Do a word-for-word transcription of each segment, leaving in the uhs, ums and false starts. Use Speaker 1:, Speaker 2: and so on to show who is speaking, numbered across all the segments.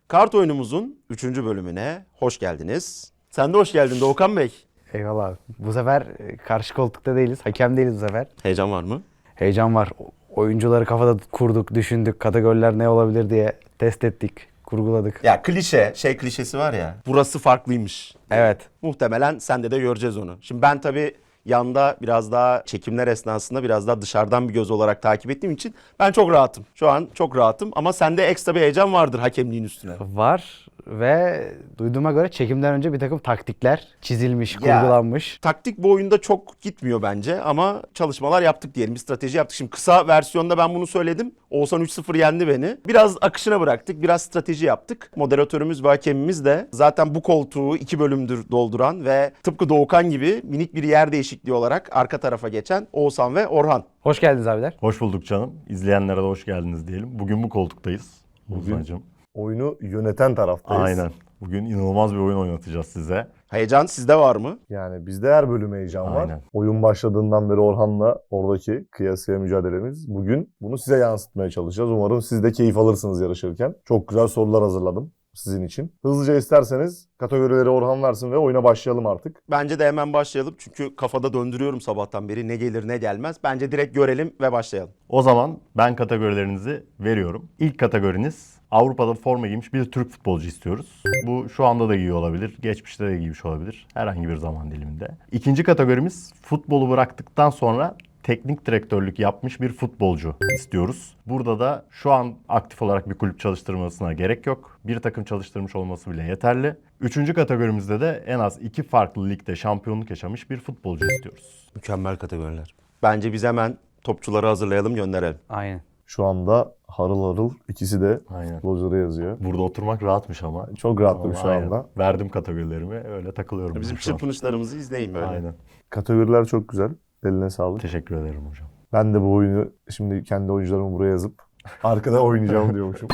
Speaker 1: Kart oyunumuzun üçüncü bölümüne hoş geldiniz. Sen de hoş geldin Doğukan Bey.
Speaker 2: Eyvallah abi. Bu sefer e, karşı koltukta değiliz. Hakem değiliz bu sefer.
Speaker 1: Heyecan var mı?
Speaker 2: Heyecan var. O- Oyuncuları kafada kurduk, düşündük. Kategoriler ne olabilir diye test ettik, kurguladık.
Speaker 1: Ya klişe, şey klişesi var ya. Burası farklıymış.
Speaker 2: Evet.
Speaker 1: Muhtemelen sende de göreceğiz onu. Şimdi ben tabii yanda biraz daha çekimler esnasında biraz daha dışarıdan bir göz olarak takip ettiğim için ben çok rahatım. Şu an çok rahatım ama sende ekstra bir heyecan vardır hakemliğin üstüne.
Speaker 2: Var ve duyduğuma göre çekimden önce bir takım taktikler çizilmiş,
Speaker 1: Ya.
Speaker 2: kurgulanmış.
Speaker 1: Taktik bu oyunda çok gitmiyor bence ama çalışmalar yaptık diyelim. Bir strateji yaptık. Şimdi kısa versiyonda ben bunu söyledim. Oğuzhan üç sıfır yendi beni. Biraz akışına bıraktık. Biraz strateji yaptık. Moderatörümüz ve hakemimiz de zaten bu koltuğu iki bölümdür dolduran ve tıpkı Doğukan gibi minik bir yer değişikliği olarak arka tarafa geçen Oğuzhan ve Orhan.
Speaker 2: Hoş geldiniz abiler.
Speaker 3: Hoş bulduk canım. İzleyenlere de hoş geldiniz diyelim. Bugün bu koltuktayız.
Speaker 4: Bugün
Speaker 3: Oğuzhan'cığım.
Speaker 4: oyunu yöneten taraftayız.
Speaker 3: Aynen. Bugün inanılmaz bir oyun oynatacağız size.
Speaker 1: Heyecan sizde var mı?
Speaker 4: Yani bizde her bölüm heyecan var.
Speaker 3: Aynen.
Speaker 4: Oyun başladığından beri Orhan'la oradaki kıyasıya mücadelemiz. Bugün bunu size yansıtmaya çalışacağız. Umarım siz de keyif alırsınız yarışırken. Çok güzel sorular hazırladım sizin için. Hızlıca isterseniz kategorileri Orhan versin ve oyuna başlayalım artık.
Speaker 1: Bence de hemen başlayalım. Çünkü kafada döndürüyorum sabahtan beri. Ne gelir ne gelmez. Bence direkt görelim ve başlayalım.
Speaker 3: O zaman ben kategorilerinizi veriyorum. İlk kategoriniz Avrupa'da forma giymiş bir Türk futbolcu istiyoruz. Bu şu anda da giyiyor olabilir, geçmişte de giymiş olabilir. Herhangi bir zaman diliminde. İkinci kategorimiz futbolu bıraktıktan sonra teknik direktörlük yapmış bir futbolcu istiyoruz. Burada da şu an aktif olarak bir kulüp çalıştırmasına gerek yok. Bir takım çalıştırmış olması bile yeterli. Üçüncü kategorimizde de en az iki farklı ligde şampiyonluk yaşamış bir futbolcu istiyoruz.
Speaker 1: Mükemmel kategoriler. Bence biz hemen topçuları hazırlayalım, gönderelim.
Speaker 2: Aynen.
Speaker 4: Şu anda harıl harıl ikisi de
Speaker 3: Aynen.
Speaker 4: futbolcuları yazıyor.
Speaker 3: Burada oturmak rahatmış ama.
Speaker 4: Çok rahatım
Speaker 3: Ama
Speaker 4: şu
Speaker 3: aynen.
Speaker 4: anda.
Speaker 3: Verdim kategorilerimi, öyle takılıyorum.
Speaker 1: Bizim
Speaker 3: ben şu an.
Speaker 1: çırpınışlarımızı izleyin böyle.
Speaker 3: Aynen.
Speaker 4: Kategoriler çok güzel. Eline sağlık.
Speaker 3: Teşekkür ederim hocam.
Speaker 4: Ben de bu oyunu şimdi kendi oyuncularımı buraya yazıp arkada oynayacağım diyormuşum.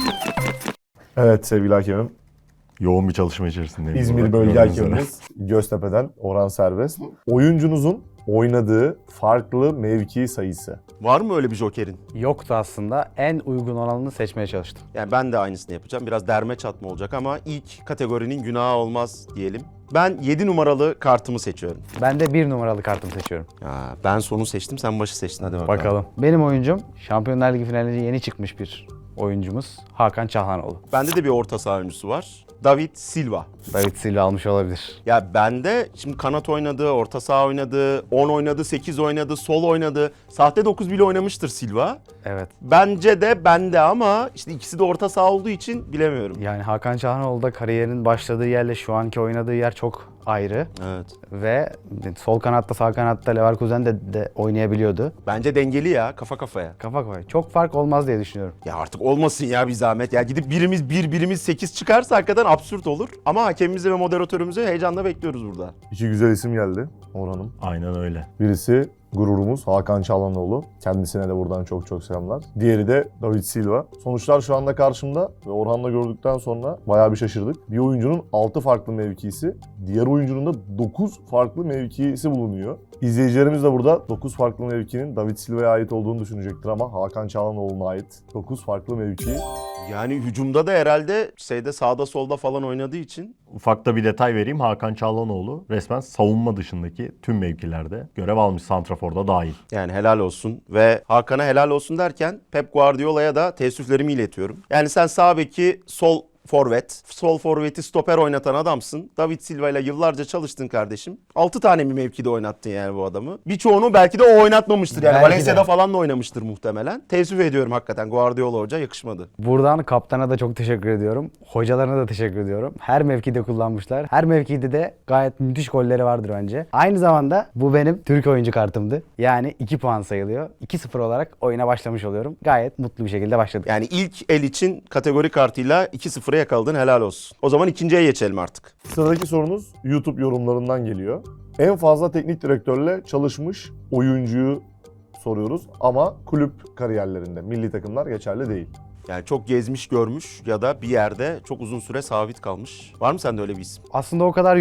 Speaker 4: Evet sevgili hakemim.
Speaker 3: Yoğun bir çalışma içerisindeyim.
Speaker 4: İzmir
Speaker 3: burada,
Speaker 4: bölge
Speaker 3: gördüğünüz üzere.
Speaker 4: hakemimiz Göztepe'den Orhan Serbest. Oyuncunuzun oynadığı farklı mevki sayısı.
Speaker 1: Var mı öyle bir jokerin?
Speaker 2: Yoktu aslında. En uygun olanını seçmeye çalıştım.
Speaker 1: Yani ben de aynısını yapacağım. Biraz derme çatma olacak ama ilk kategorinin günahı olmaz diyelim. Ben yedi numaralı kartımı seçiyorum.
Speaker 2: Ben de bir numaralı kartımı seçiyorum.
Speaker 1: Ya ben sonu seçtim, sen başı seçtin. Hadi bakalım.
Speaker 2: Bakalım. Benim oyuncum Şampiyonlar Ligi finaline yeni çıkmış bir oyuncumuz. Hakan Çalhanoğlu.
Speaker 1: Bende de bir orta saha oyuncusu var. David Silva.
Speaker 2: David Silva almış olabilir.
Speaker 1: Ya bende şimdi kanat oynadı, orta saha oynadı, on oynadı, sekiz oynadı, sol oynadı. Sahte dokuz bile oynamıştır Silva.
Speaker 2: Evet.
Speaker 1: Bence de bende ama işte ikisi de orta saha olduğu için bilemiyorum.
Speaker 2: Yani Hakan Çalhanoğlu da kariyerinin başladığı yerle şu anki oynadığı yer çok ayrı.
Speaker 1: Evet.
Speaker 2: Ve sol kanatta sağ kanatta Leverkusen de, de oynayabiliyordu.
Speaker 1: Bence dengeli ya, kafa kafaya.
Speaker 2: Kafa kafaya. Çok fark olmaz diye düşünüyorum.
Speaker 1: Ya artık olmasın ya bir zahmet. Ya gidip birimiz bir, birimiz sekiz çıkarsa hakikaten absürt olur. Ama hakemimizi ve moderatörümüzü heyecanla bekliyoruz burada.
Speaker 4: İki güzel isim geldi Orhan'ım.
Speaker 3: Aynen öyle.
Speaker 4: Birisi gururumuz Hakan Çalhanoğlu. Kendisine de buradan çok çok selamlar. Diğeri de David Silva. Sonuçlar şu anda karşımda ve Orhan'la gördükten sonra bayağı bir şaşırdık. Bir oyuncunun altı farklı mevkisi, diğer oyuncunun da dokuz farklı mevkisi bulunuyor. İzleyicilerimiz de burada dokuz farklı mevkinin David Silva'ya ait olduğunu düşünecektir ama Hakan Çalhanoğlu'na ait dokuz farklı mevki.
Speaker 1: Yani hücumda da herhalde şeyde sağda solda falan oynadığı için
Speaker 3: Ufakta bir detay vereyim. Hakan Çalhanoğlu resmen savunma dışındaki tüm mevkilerde görev almış, santraforda dahil.
Speaker 1: yani helal olsun ve Hakan'a helal olsun derken Pep Guardiola'ya da teessüflerimi iletiyorum. Yani sen sağ beki sol forvet, sol forveti stoper oynatan adamsın. David Silva ile yıllarca çalıştın kardeşim. altı tane mi mevkide oynattın yani bu adamı? Birçoğunu belki de o oynatmamıştır yani.
Speaker 2: Belki de.
Speaker 1: Valencia'da falan da oynamıştır muhtemelen. Teessüf ediyorum hakikaten, Guardiola Hoca yakışmadı.
Speaker 2: Buradan kaptana da çok teşekkür ediyorum. Hocalarına da teşekkür ediyorum. Her mevkide kullanmışlar. Her mevkide de gayet müthiş golleri vardır bence. Aynı zamanda bu benim Türk oyuncu kartımdı. Yani iki puan sayılıyor. iki sıfır olarak oyuna başlamış oluyorum. Gayet mutlu bir şekilde başladık.
Speaker 1: Yani ilk el için kategori kartıyla iki sıfıra yakaladın, helal olsun. O zaman ikinciye geçelim artık.
Speaker 4: Sıradaki sorunuz YouTube yorumlarından geliyor. En fazla teknik direktörle çalışmış oyuncuyu soruyoruz ama kulüp kariyerlerinde, milli takımlar geçerli değil.
Speaker 1: Yani çok gezmiş görmüş ya da bir yerde çok uzun süre sabit kalmış. Var mı sende öyle bir isim?
Speaker 2: Aslında o kadar yok.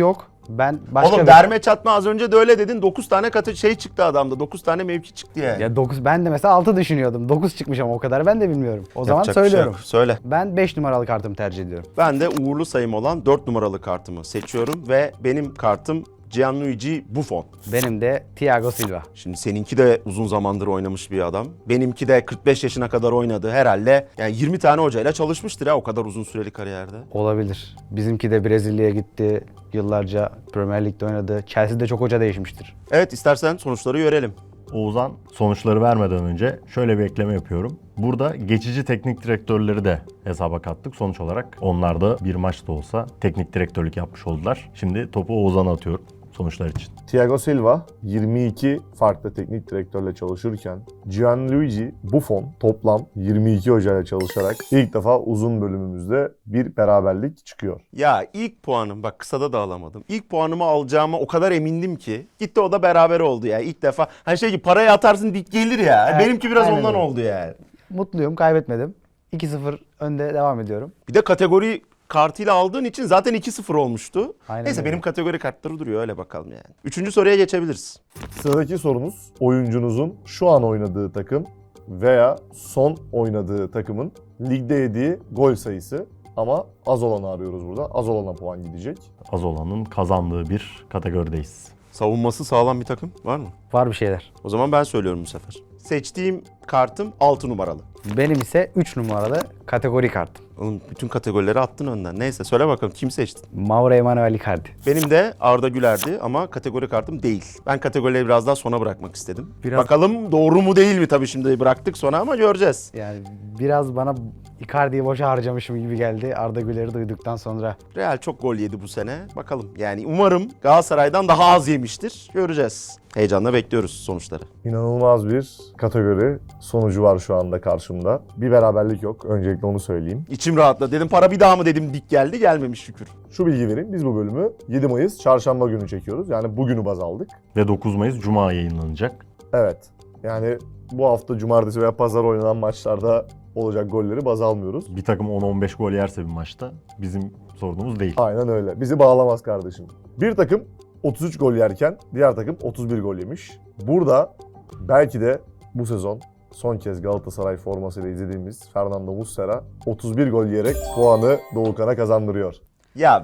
Speaker 2: Ben başka
Speaker 1: Oğlum
Speaker 2: bir...
Speaker 1: derme çatma az önce de öyle dedin. dokuz tane katı şey çıktı adamda. dokuz tane mevki çıktı yani.
Speaker 2: Ya dokuz, ben de mesela altı düşünüyordum. dokuz çıkmış ama o kadar ben de bilmiyorum. O zaman
Speaker 1: Yapacak bir şey
Speaker 2: söylüyorum.
Speaker 1: yok. Söyle.
Speaker 2: Ben beş numaralı kartımı tercih ediyorum.
Speaker 1: Ben de uğurlu sayım olan dört numaralı kartımı seçiyorum ve benim kartım Gianluigi Buffon.
Speaker 2: Benim de Thiago Silva.
Speaker 1: Şimdi seninki de uzun zamandır oynamış bir adam. Benimki de kırk beş yaşına kadar oynadı herhalde. Yani yirmi tane hocayla çalışmıştır ya o kadar uzun süreli kariyerde.
Speaker 2: Olabilir. Bizimki de Brezilya'ya gitti. Yıllarca Premier Lig'de oynadı. Chelsea'de çok hoca değişmiştir.
Speaker 1: Evet, istersen sonuçları görelim.
Speaker 3: Oğuzhan sonuçları vermeden önce şöyle bir ekleme yapıyorum. Burada geçici teknik direktörleri de hesaba kattık. Sonuç olarak onlar da bir maçta olsa teknik direktörlük yapmış oldular. Şimdi topu Oğuzhan'a atıyorum sonuçlar için.
Speaker 4: Thiago Silva yirmi iki farklı teknik direktörle çalışırken Gianluigi Buffon toplam yirmi iki hocayla çalışarak ilk defa uzun bölümümüzde bir beraberlik çıkıyor.
Speaker 1: Ya ilk puanım, bak kısada da alamadım. İlk puanımı alacağıma o kadar emindim ki. Gitti o da beraber oldu ya ilk defa. Hani şey ki parayı atarsın dik gelir ya.
Speaker 2: Evet,
Speaker 1: Benimki biraz
Speaker 2: aynen
Speaker 1: ondan
Speaker 2: öyle.
Speaker 1: oldu yani.
Speaker 2: Mutluyum, kaybetmedim. iki sıfır önde devam ediyorum.
Speaker 1: Bir de kategori kartıyla aldığın için zaten iki sıfır olmuştu.
Speaker 2: Aynen
Speaker 1: Neyse
Speaker 2: öyle.
Speaker 1: benim kategori kartları duruyor öyle bakalım yani. Üçüncü soruya geçebiliriz.
Speaker 4: Sıradaki sorumuz oyuncunuzun şu an oynadığı takım veya son oynadığı takımın ligde yediği gol sayısı. Ama az olanı arıyoruz burada. Az olana puan gidecek.
Speaker 3: Az olanın kazandığı bir kategorideyiz.
Speaker 1: Savunması sağlam bir takım var mı?
Speaker 2: Var bir şeyler.
Speaker 1: O zaman ben söylüyorum bu sefer. Seçtiğim kartım altı numaralı.
Speaker 2: Benim ise üç numaralı kategori kartım.
Speaker 1: Oğlum bütün kategorileri attın önden. Neyse söyle bakalım kim seçtin?
Speaker 2: Mauro Emanuel Icardi.
Speaker 1: Benim de Arda Güler'di ama kategori kartım değil. Ben kategorileri biraz daha sona bırakmak istedim.
Speaker 2: Biraz-
Speaker 1: Bakalım doğru mu değil mi tabii şimdi bıraktık sona ama göreceğiz.
Speaker 2: Yani biraz bana Icardi'yi boşa harcamışım gibi geldi Arda Güler'i duyduktan sonra.
Speaker 1: Real çok gol yedi bu sene. Bakalım yani umarım Galatasaray'dan daha az yemiştir. Göreceğiz. Heyecanla bekliyoruz sonuçları.
Speaker 4: İnanılmaz bir kategori sonucu var şu anda karşımda. Bir beraberlik yok. Öncelikle onu söyleyeyim.
Speaker 1: İçim rahatladı. Dedim para bir daha mı dedim dik geldi. Gelmemiş şükür.
Speaker 4: Şu bilgi vereyim. Biz bu bölümü yedi Mayıs çarşamba günü çekiyoruz. Yani bugünü baz aldık.
Speaker 3: Ve dokuz Mayıs Cuma yayınlanacak.
Speaker 4: Evet. Yani bu hafta cumartesi veya pazar oynanan maçlarda olacak golleri baz almıyoruz.
Speaker 3: Bir takım on on beş gol yerse bir maçta bizim sorunumuz değil.
Speaker 4: Aynen öyle. Bizi bağlamaz kardeşim. Bir takım otuz üç gol yerken diğer takım otuz bir gol yemiş. Burada belki de bu sezon son kez Galatasaray formasıyla izlediğimiz Fernando Muslera otuz bir gol yiyerek puanı Doğukan'a kazandırıyor.
Speaker 1: Ya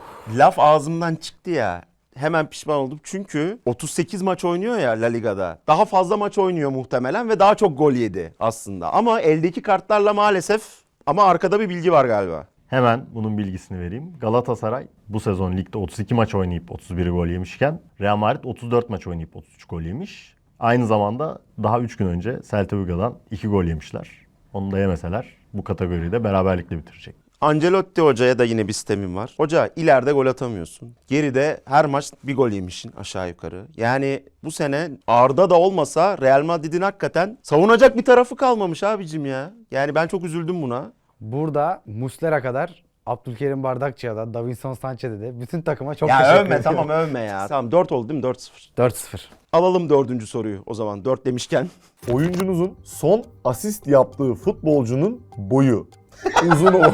Speaker 1: laf ağzımdan çıktı ya. Hemen pişman oldum çünkü otuz sekiz maç oynuyor ya La Liga'da. Daha fazla maç oynuyor muhtemelen ve daha çok gol yedi aslında. Ama eldeki kartlarla maalesef ama arkada bir bilgi var galiba.
Speaker 3: Hemen bunun bilgisini vereyim. Galatasaray bu sezon ligde otuz iki maç oynayıp otuz bir gol yemişken Real Madrid otuz dört maç oynayıp otuz üç gol yemiş. Aynı zamanda daha üç gün önce Celta Vigo'dan iki gol yemişler. Onu da yemeseler bu kategoride beraberlikle bitirecek.
Speaker 1: Ancelotti hocaya da yine bir sistemim var. Hoca ileride gol atamıyorsun. Geride her maç bir gol yemişsin aşağı yukarı. Yani bu sene Arda da olmasa Real Madrid'in hakikaten savunacak bir tarafı kalmamış abicim ya. Yani ben çok üzüldüm buna.
Speaker 2: Burada Muslera kadar Abdülkerim Bardakçı'ya da Davinson Sanchez'e de bütün takıma çok
Speaker 1: Ya
Speaker 2: teşekkür
Speaker 1: övme
Speaker 2: ediyorum.
Speaker 1: tamam övme ya. Tamam dört oldu değil mi? dört sıfır.
Speaker 2: dört sıfır.
Speaker 1: Alalım dördüncü soruyu o zaman dört demişken.
Speaker 4: Oyuncunuzun son asist yaptığı futbolcunun boyu. Uzun o.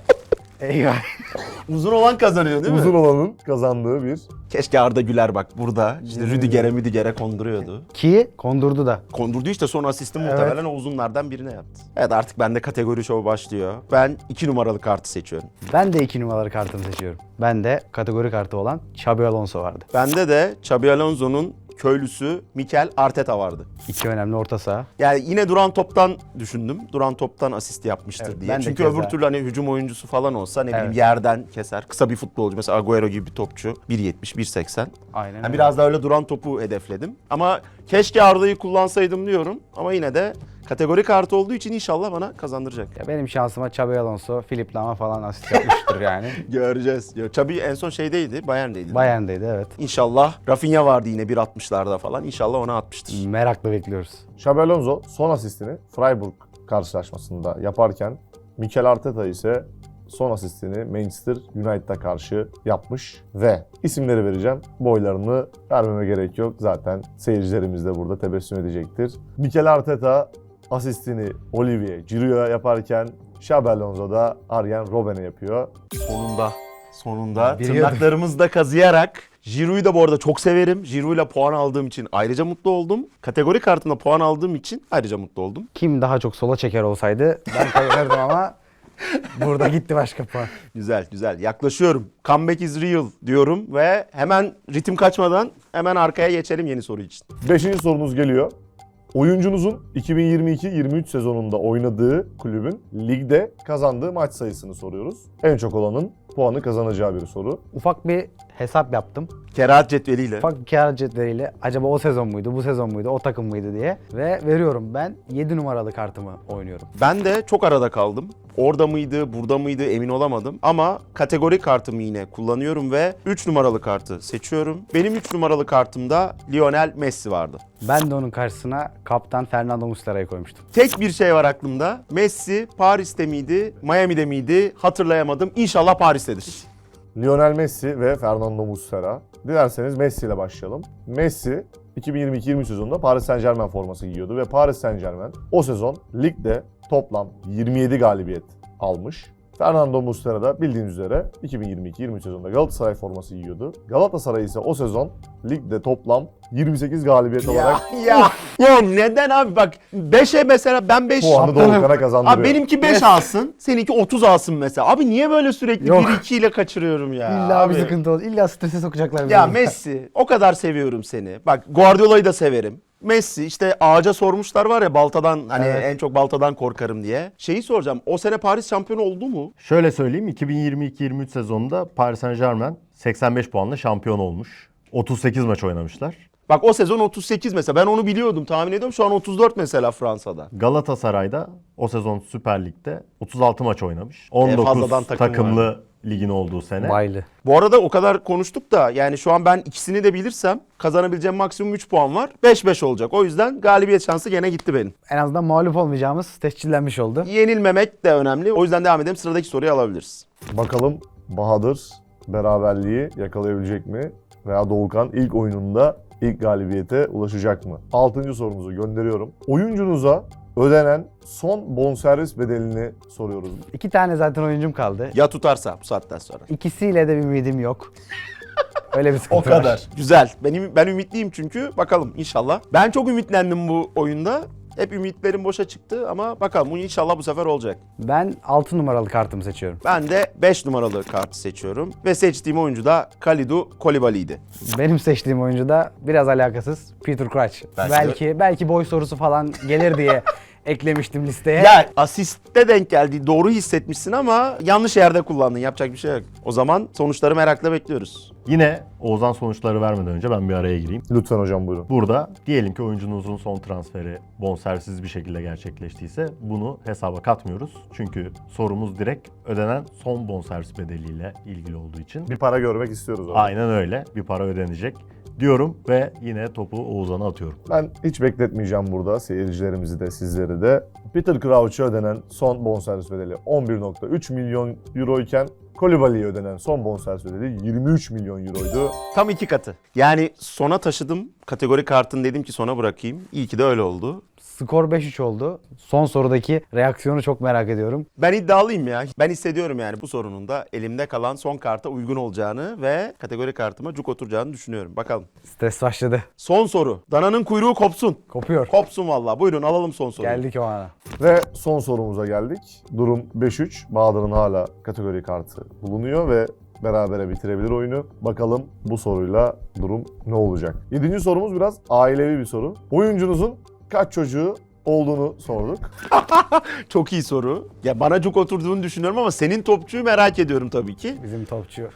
Speaker 2: Eyvah.
Speaker 1: Uzun olan kazanıyor değil mi?
Speaker 4: Uzun olanın kazandığı bir.
Speaker 1: Keşke Arda Güler bak burada. İşte Rüdiger'e Müdiger'e konduruyordu.
Speaker 2: Ki kondurdu da.
Speaker 1: Kondurdu işte son asisti
Speaker 2: Evet.
Speaker 1: muhtemelen o uzunlardan birine yaptı. Evet artık bende kategori şovu başlıyor. Ben iki numaralı kartı seçiyorum.
Speaker 2: Ben de iki numaralı kartımı seçiyorum. Ben de kategori kartı olan Xabi Alonso vardı.
Speaker 1: Bende de Xabi Alonso'nun köylüsü Mikel Arteta vardı.
Speaker 2: İki önemli orta saha.
Speaker 1: Yani yine duran toptan düşündüm. Duran toptan asist yapmıştır
Speaker 2: Evet,
Speaker 1: diye.
Speaker 2: ben de
Speaker 1: Çünkü
Speaker 2: keza.
Speaker 1: öbür türlü hani hücum oyuncusu falan olsa ne bileyim
Speaker 2: Evet.
Speaker 1: yerden keser. Kısa bir futbolcu mesela Agüero gibi bir topçu. bir yetmiş bir seksen.
Speaker 2: Aynen
Speaker 1: Yani
Speaker 2: öyle.
Speaker 1: biraz daha öyle duran topu hedefledim. Ama keşke Arda'yı kullansaydım diyorum. Ama yine de kategori kartı olduğu için inşallah bana kazandıracak.
Speaker 2: Ya benim şansıma Xabi Alonso, Philipp Lahm falan asist yapmıştır yani.
Speaker 1: Göreceğiz. Xabi en son şeydeydi, Bayern'deydi.
Speaker 2: Bayern'deydi evet.
Speaker 1: İnşallah Rafinha vardı yine bir altmışlarda falan. İnşallah ona atmıştır.
Speaker 2: Merakla bekliyoruz.
Speaker 4: Xabi Alonso son asistini Freiburg karşılaşmasında yaparken Mikel Arteta ise son asistini Manchester United'a karşı yapmış ve isimleri vereceğim. Boylarını vermeme gerek yok. Zaten seyircilerimiz de burada tebessüm edecektir. Mikel Arteta asistini Olivier Giroud'a yaparken Xabi Alonso da Arjen Robben'e yapıyor.
Speaker 1: Sonunda. Sonunda
Speaker 2: Biliyordum.
Speaker 1: tırnaklarımızda kazıyarak. Giroud'u da bu arada çok severim. Giroud'la puan aldığım için ayrıca mutlu oldum. Kategori kartında puan aldığım için ayrıca mutlu oldum.
Speaker 2: Kim daha çok sola çeker olsaydı ben kazanırdım ama burada gitti başka puan.
Speaker 1: Güzel güzel yaklaşıyorum. Comeback is real diyorum ve hemen ritim kaçmadan hemen arkaya geçelim yeni soru için.
Speaker 4: Beşinci sorunuz geliyor. Oyuncunuzun iki bin yirmi iki yirmi üç sezonunda oynadığı kulübün ligde kazandığı maç sayısını soruyoruz. En çok olanın puanı kazanacağı bir soru.
Speaker 2: Ufak bir hesap yaptım.
Speaker 1: Kerahat cetveliyle.
Speaker 2: Ufak bir kâr cetveliyle acaba o sezon muydu, bu sezon muydu, o takım mıydı diye. Ve veriyorum, ben yedi numaralı kartımı oynuyorum.
Speaker 1: Ben de çok arada kaldım. Orada mıydı, burada mıydı emin olamadım. Ama kategori kartımı yine kullanıyorum ve üç numaralı kartı seçiyorum. Benim üç numaralı kartımda Lionel Messi vardı.
Speaker 2: Ben de onun karşısına kaptan Fernando Muslera'yı koymuştum.
Speaker 1: Tek bir şey var aklımda. Messi Paris'te miydi, Miami'de miydi hatırlayamadım. İnşallah Paris'tedir.
Speaker 4: Lionel Messi ve Fernando Muslera. Dilerseniz Messi ile başlayalım. Messi iki bin yirmi iki yirmi üç sezonunda Paris Saint-Germain forması giyiyordu ve Paris Saint-Germain o sezon ligde toplam yirmi yedi galibiyet almış. Fernando Muslera da bildiğiniz üzere iki bin yirmi iki yirmi üç sezonunda Galatasaray forması giyiyordu. Galatasaray ise o sezon ligde toplam yirmi sekiz galibiyet olarak
Speaker 1: ya, ya neden abi bak beşe mesela ben beş
Speaker 4: puanı Doğukan'a kazandırıyor.
Speaker 1: Abi benimki beş alsın, seninki otuz alsın mesela. Abi niye böyle sürekli
Speaker 2: Yok.
Speaker 1: bir iki ile kaçırıyorum ya?
Speaker 2: İlla
Speaker 1: abi.
Speaker 2: bir sıkıntı olur. İlla strese sokacaklar.
Speaker 1: Ya
Speaker 2: beni.
Speaker 1: Messi, o kadar seviyorum seni. Bak Guardiola'yı da severim. Messi işte ağaca sormuşlar var ya baltadan hani
Speaker 2: Evet.
Speaker 1: en çok baltadan korkarım diye. Şeyi soracağım. O sene Paris şampiyonu oldu mu?
Speaker 3: Şöyle söyleyeyim, iki bin yirmi iki yirmi üç sezonunda Paris Saint-Germain seksen beş puanla şampiyon olmuş. otuz sekiz maç oynamışlar.
Speaker 1: Bak o sezon otuz sekiz mesela. Ben onu biliyordum, tahmin ediyorum. Şu an otuz dört mesela Fransa'da.
Speaker 3: Galatasaray'da o sezon Süper Lig'de otuz altı maç oynamış. on dokuz
Speaker 1: fazladan takım
Speaker 3: takımlı ligin olduğu sene.
Speaker 2: Baylı.
Speaker 1: Bu arada o kadar konuştuk da yani şu an ben ikisini de bilirsem kazanabileceğim maksimum üç puan var. beş beş olacak. O yüzden galibiyet şansı gene gitti benim.
Speaker 2: En azından mağlup olmayacağımız tescillenmiş oldu.
Speaker 1: Yenilmemek de önemli. O yüzden devam edelim. Sıradaki soruyu alabiliriz.
Speaker 4: Bakalım Bahadır beraberliği yakalayabilecek mi? Veya Doğukan ilk oyununda ilk galibiyete ulaşacak mı? Altıncı sorumuzu gönderiyorum. Oyuncunuza ödenen son bonservis bedelini soruyoruz.
Speaker 2: İki tane zaten oyuncum kaldı.
Speaker 1: Ya tutarsa bu saatten sonra.
Speaker 2: İkisiyle de bir ümidim yok. Öyle bir sıkıntı var.
Speaker 1: Güzel. Benim ben ümitliyim çünkü. Bakalım inşallah. Ben çok ümitlendim bu oyunda. Hep ümitlerim boşa çıktı ama bakalım bu inşallah bu sefer olacak.
Speaker 2: Ben altı numaralı kartımı seçiyorum.
Speaker 1: Ben de beş numaralı kartı seçiyorum ve seçtiğim oyuncu da Kalidou Koulibaly'ydi.
Speaker 2: Benim seçtiğim oyuncu da biraz alakasız Peter Crouch.
Speaker 1: Belki
Speaker 2: Belki belki, boy sorusu falan gelir diye eklemiştim listeye.
Speaker 1: Ya asiste denk geldi. Doğru hissetmişsin ama yanlış yerde kullandın. Yapacak bir şey yok. O zaman sonuçları merakla bekliyoruz.
Speaker 3: Yine Oğuzhan sonuçları vermeden önce ben bir araya gireyim.
Speaker 4: Lütfen hocam buyurun.
Speaker 3: Burada diyelim ki oyuncunuzun son transferi bonservisiz bir şekilde gerçekleştiyse bunu hesaba katmıyoruz. Çünkü sorumuz direkt ödenen son bonservis bedeliyle ilgili olduğu için.
Speaker 4: Bir para görmek istiyoruz. Orada.
Speaker 3: Aynen öyle. Bir para ödenecek diyorum ve yine topu Oğuzhan'a atıyorum.
Speaker 4: Ben hiç bekletmeyeceğim burada seyircilerimizi de sizleri de. Peter Crouch'a ödenen son bonservis bedeli on bir virgül üç milyon euro iken Koulibaly'ye ödenen son bonservis bedeli yirmi üç milyon euroydu.
Speaker 1: Tam iki katı. Yani sona taşıdım. Kategori kartını dedim ki sona bırakayım. İyi ki de öyle oldu.
Speaker 2: Skor beş üç oldu. Son sorudaki reaksiyonu çok merak ediyorum.
Speaker 1: Ben iddialıyım ya. Ben hissediyorum yani bu sorunun da elimde kalan son karta uygun olacağını ve kategori kartıma cuk oturacağını düşünüyorum. Bakalım.
Speaker 2: Stres başladı.
Speaker 1: Son soru. Dananın kuyruğu kopsun.
Speaker 2: Kopuyor.
Speaker 1: Kopsun vallahi. Buyurun alalım son soruyu.
Speaker 2: Geldik o ana.
Speaker 4: Ve son sorumuza geldik. Durum beş üç. Bahadır'ın hala kategori kartı bulunuyor ve berabere bitirebilir oyunu. Bakalım bu soruyla durum ne olacak? Yedinci sorumuz biraz ailevi bir soru. Oyuncunuzun kaç çocuğu olduğunu sorduk.
Speaker 1: Çok iyi soru. Ya bana cuk oturduğunu düşünüyorum ama senin topçuyu merak ediyorum tabii ki.
Speaker 2: Bizim topçu.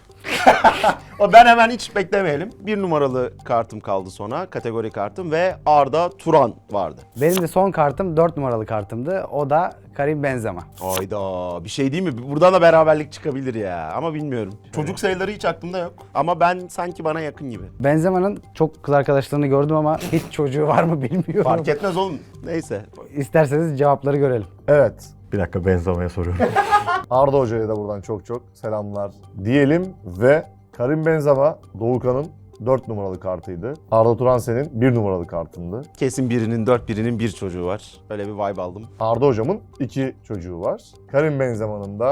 Speaker 1: O ben hemen hiç beklemeyelim. Bir numaralı kartım kaldı sonra. Kategori kartım ve Arda Turan vardı.
Speaker 2: Benim de son kartım dört numaralı kartımdı. O da Karim Benzema.
Speaker 1: Hayda bir şey değil mi? Buradan da beraberlik çıkabilir ya ama bilmiyorum. Çocuk sayıları hiç aklımda yok ama ben sanki bana yakın gibi.
Speaker 2: Benzema'nın çok kız arkadaşlarını gördüm ama hiç çocuğu var mı bilmiyorum.
Speaker 1: Fark etmez oğlum. Neyse.
Speaker 2: İsterseniz cevapları görelim.
Speaker 4: Evet.
Speaker 3: Bir dakika Benzema'ya soruyorum.
Speaker 4: Arda Hoca'ya da buradan çok çok selamlar diyelim ve Karim Benzema Doğukan'ın dört numaralı kartıydı. Arda Turan senin bir numaralı kartındı.
Speaker 1: Kesin birinin dört birinin bir çocuğu var. Öyle bir vibe aldım.
Speaker 4: Arda Hocam'ın iki çocuğu var. Karim Benzema'nın da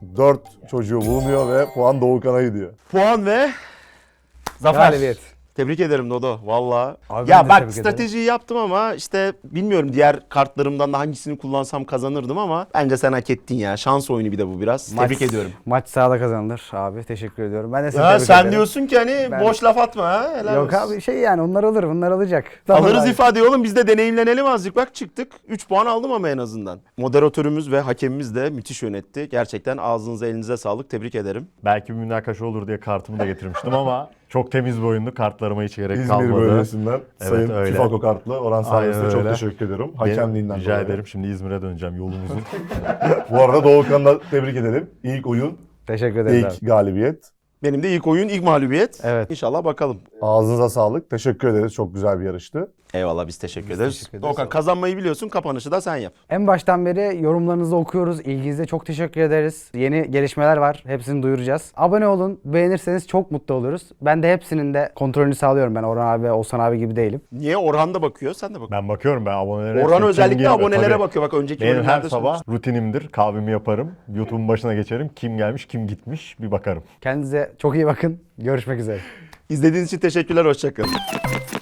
Speaker 4: dört çocuğu bulunuyor ve puan Doğukan'a gidiyor.
Speaker 1: Puan ve zafer.
Speaker 2: Galibiyet.
Speaker 1: Tebrik ederim Dodo. Valla.
Speaker 2: Abi ben de
Speaker 1: Ya bak
Speaker 2: tebrik ederim.
Speaker 1: stratejiyi yaptım ama işte bilmiyorum diğer kartlarımdan da hangisini kullansam kazanırdım ama bence sen hak ettin ya. Şans oyunu bir de bu biraz.
Speaker 2: Maç-
Speaker 1: Tebrik ediyorum.
Speaker 2: Maç sahada kazanılır abi. Teşekkür ediyorum. Ben de seni
Speaker 1: Ya
Speaker 2: tebrik
Speaker 1: sen
Speaker 2: ederim.
Speaker 1: diyorsun ki hani
Speaker 2: Ben-
Speaker 1: boş laf atma ha. Helal
Speaker 2: Yok
Speaker 1: olsun.
Speaker 2: abi şey yani onlar alır bunlar alacak.
Speaker 1: Alırız
Speaker 2: Tamam.
Speaker 1: ifadeyi oğlum biz de deneyimlenelim azıcık. Bak çıktık. üç puan aldım ama en azından. Moderatörümüz ve hakemimiz de müthiş yönetti. Gerçekten ağzınıza elinize sağlık. Tebrik ederim.
Speaker 3: Belki bir münakaşa olur diye kartımı da getirmiştim ama çok temiz bir oyundu. Kartlarıma hiç gerek
Speaker 4: İzmir
Speaker 3: kalmadı.
Speaker 4: bölgesinden
Speaker 3: Evet,
Speaker 4: Sayın
Speaker 3: öyle.
Speaker 4: Tifako kartlı Orhan
Speaker 3: Aynen
Speaker 4: sayesinde çok
Speaker 3: öyle.
Speaker 4: teşekkür ediyorum.
Speaker 3: Benim-
Speaker 4: Hakemliğinden
Speaker 3: Rica
Speaker 4: dolayı.
Speaker 3: ederim. Şimdi İzmir'e döneceğim yolumuzun.
Speaker 4: Bu arada Doğukan'ı da tebrik edelim. İlk oyun,
Speaker 2: Teşekkür ederim abi.
Speaker 4: ilk galibiyet.
Speaker 1: Benim de ilk oyun, ilk mağlubiyet.
Speaker 2: Evet.
Speaker 1: İnşallah bakalım.
Speaker 4: Ağzınıza sağlık. Teşekkür ederiz. Çok güzel bir yarıştı.
Speaker 1: Eyvallah biz teşekkür ederiz.
Speaker 2: teşekkür ederiz.
Speaker 1: Doğukan kazanmayı biliyorsun. Kapanışı da sen yap.
Speaker 2: En baştan beri yorumlarınızı okuyoruz. İlginize çok teşekkür ederiz. Yeni gelişmeler var. Hepsini duyuracağız. Abone olun. Beğenirseniz çok mutlu oluruz. Ben de hepsinin de kontrolünü sağlıyorum. Ben Orhan abi, Oğuzhan abi gibi değilim.
Speaker 1: Niye? Orhan da bakıyor, sen de bak.
Speaker 3: Ben bakıyorum ben abonelere.
Speaker 1: Orhan
Speaker 3: Kim
Speaker 1: özellikle
Speaker 3: geliyor?
Speaker 1: abonelere
Speaker 3: Tabii.
Speaker 1: bakıyor. Bak önceki
Speaker 3: Benim her
Speaker 1: bölümlerde
Speaker 3: sabah
Speaker 1: söylemiştim.
Speaker 3: rutinimdir. Kahvemi yaparım. YouTube'un başına geçerim. Kim gelmiş, kim gitmiş bir bakarım.
Speaker 2: Kendinize çok iyi bakın. Görüşmek üzere.
Speaker 1: İzlediğiniz için teşekkürler. Hoşçakalın.